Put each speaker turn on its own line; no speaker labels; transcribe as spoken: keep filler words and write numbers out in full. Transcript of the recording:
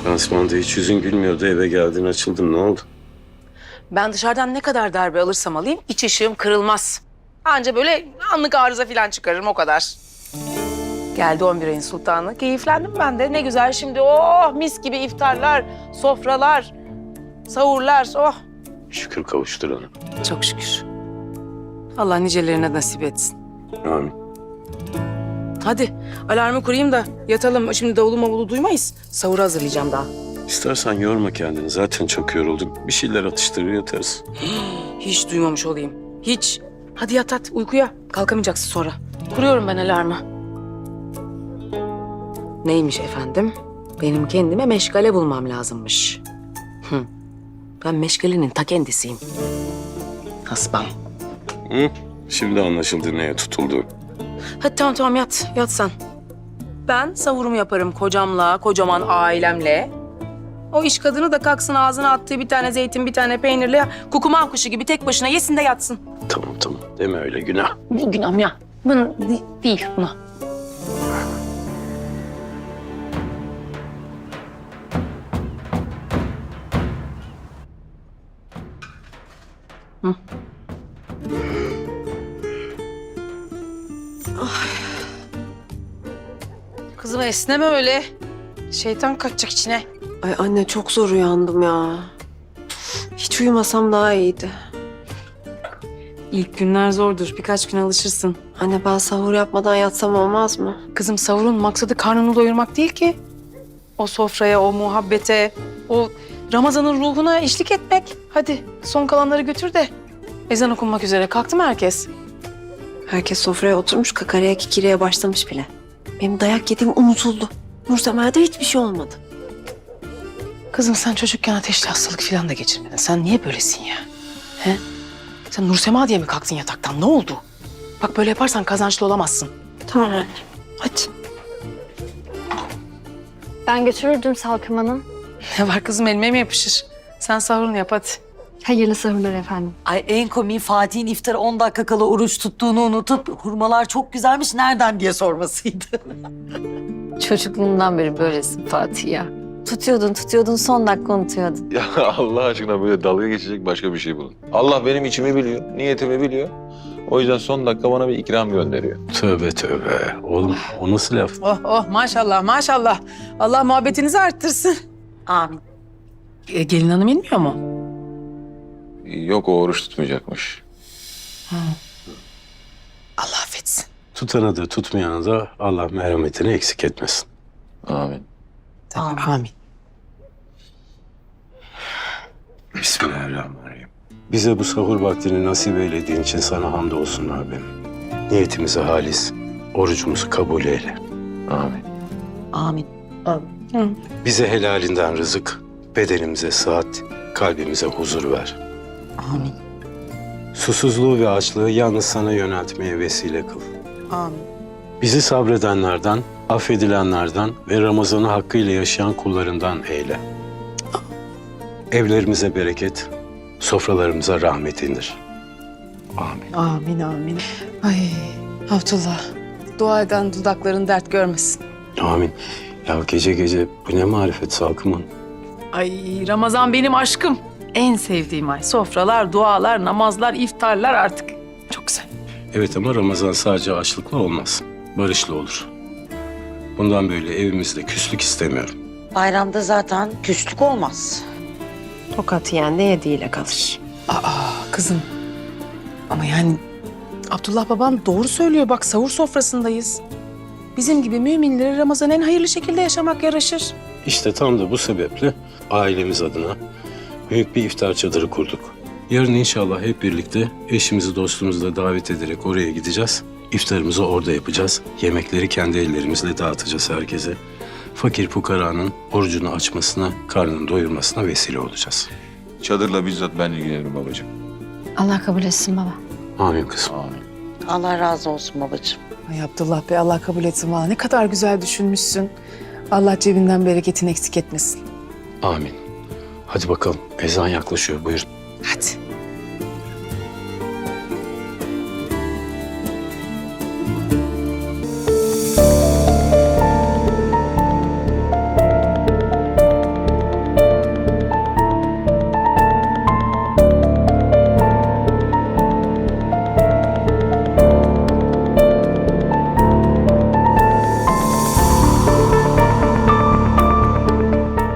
Lansmanda hiç yüzün gülmüyordu. Eve geldin açıldın. Ne oldu?
Ben dışarıdan ne kadar darbe alırsam alayım iç ışığım kırılmaz. Anca böyle anlık arıza falan çıkarırım o kadar. Geldi on bir ayın sultanı. Keyiflendim ben de. Ne güzel şimdi. Oh mis gibi iftarlar, sofralar, sahurlar. Oh
Şükür kavuşturana.
çok şükür. Allah nicelerine nasip etsin.
Amin.
Hadi alarmı kurayım da yatalım. Şimdi davulu mavulu duymayız. Sahuru hazırlayacağım daha.
İstersen yorma kendini. Zaten çok yoruldun. Bir şeyler atıştırır yatarız.
Hiç duymamış olayım. Hiç. Hadi yat at uykuya. Kalkamayacaksın sonra. Kuruyorum ben alarmı. Neymiş efendim? Benim kendime meşgale bulmam lazımmış. Hı. Ben meşgalenin ta kendisiyim. Hasbam.
Hı? Şimdi anlaşıldı neye tutuldu.
Hadi tamam tamam yat. Yat sen. Ben savurumu yaparım kocamla, kocaman ailemle. O iş kadını da kalksın ağzına attığı bir tane zeytin, bir tane peynirle kukuman kuşu gibi tek başına yesin de yatsın.
Tamam tamam. Deme öyle günah.
Bu günahım ya. Bunu de- değil buna. Hı. Kızım esneme öyle. Şeytan kaçacak içine.
Ay anne çok zor uyandım ya. Hiç uyumasam daha iyiydi.
İlk günler zordur. Birkaç gün alışırsın.
Anne ben sahur yapmadan yatsam olmaz mı?
Kızım sahurun maksadı karnını doyurmak değil ki. O sofraya, o muhabbete, o Ramazan'ın ruhuna eşlik etmek. Hadi son kalanları götür de. Ezan okunmak üzere. Kalktı mı herkes?
Herkes sofraya oturmuş kakaraya kikireye başlamış bile. Benim dayak yediğim unutuldu. Nursemel'de hiçbir şey olmadı.
Kızım sen çocukken ateşli hastalık falan da geçirmedin. Sen niye böylesin ya? He? Sen Nursema diye mi kalktın yataktan? Ne oldu? Bak böyle yaparsan kazançlı olamazsın.
Tamam anne. Hadi.
Ben götürürdüm Salkım Hanım.
Ne var kızım elime mi yapışır? Sen sahurunu yap hadi.
Hayırlı sahurlar efendim.
Ay en komiği Fatih'in iftara on dakika kala oruç tuttuğunu unutup hurmalar çok güzelmiş nereden diye sormasıydı.
Çocukluğundan beri böylesin Fatih ya. Tutuyordun tutuyordun son dakika unutuyordun.
Ya Allah aşkına böyle dalga geçecek başka bir şey bulun. Allah benim içimi biliyor, niyetimi biliyor. O yüzden son dakika bana bir ikram gönderiyor.
Tövbe tövbe. Oğlum o nasıl laf?
Oh oh maşallah maşallah. Allah muhabbetinizi arttırsın.
Amin.
E, gelin hanım inmiyor mu?
Yok o oruç tutmayacakmış.
Allah affetsin.
Tutana da tutmayana da Allah merhametini eksik etmesin.
Amin.
Amin. Amin.
Bismillahirrahmanirrahim. Bize bu sahur vaktini nasip eylediğin için sana hamdolsun abim. Niyetimizi halis, orucumuzu kabul eyle.
Amin.
Amin.
Bize helalinden rızık, bedenimize sıhhat, kalbimize huzur ver.
Amin.
Susuzluğu ve açlığı yalnız sana yöneltmeye vesile kıl.
Amin.
Bizi sabredenlerden, affedilenlerden ve Ramazan'ı hakkıyla yaşayan kullarından eyle. Evlerimize bereket, sofralarımıza rahmet indir. Amin.
Amin amin. Ay Abdullah. Dua eden dudakların dert görmesin.
Amin. Ya gece gece bu ne marifet Salkım'ın?
Ay Ramazan benim aşkım. En sevdiğim ay. Sofralar, dualar, namazlar, iftarlar artık. Çok güzel.
Evet ama Ramazan sadece açlıkla olmaz. Barışla olur. Bundan böyle evimizde küslük istemiyorum.
Bayramda zaten küslük olmaz.
Tokat yiyen de yediğiyle kalır.
Aa kızım. Ama yani Abdullah babam doğru söylüyor. Bak sahur sofrasındayız. Bizim gibi müminlere Ramazan en hayırlı şekilde yaşamak yaraşır.
İşte tam da bu sebeple ailemiz adına büyük bir iftar çadırı kurduk. Yarın inşallah hep birlikte eşimizi dostumuzu da davet ederek oraya gideceğiz. İftarımızı orada yapacağız. Yemekleri kendi ellerimizle dağıtacağız herkese. Fakir fukaranın orucunu açmasına, karnını doyurmasına vesile olacağız.
Çadırla bizzat ben ilgilenirim babacığım.
Allah kabul etsin baba.
Amin kızım.
Amin.
Allah razı olsun babacığım.
Ay Abdullah Bey Allah kabul etsin valla. Ne kadar güzel düşünmüşsün. Allah cebinden bereketini eksik etmesin.
Amin. Hadi bakalım ezan yaklaşıyor buyurun.
Hadi.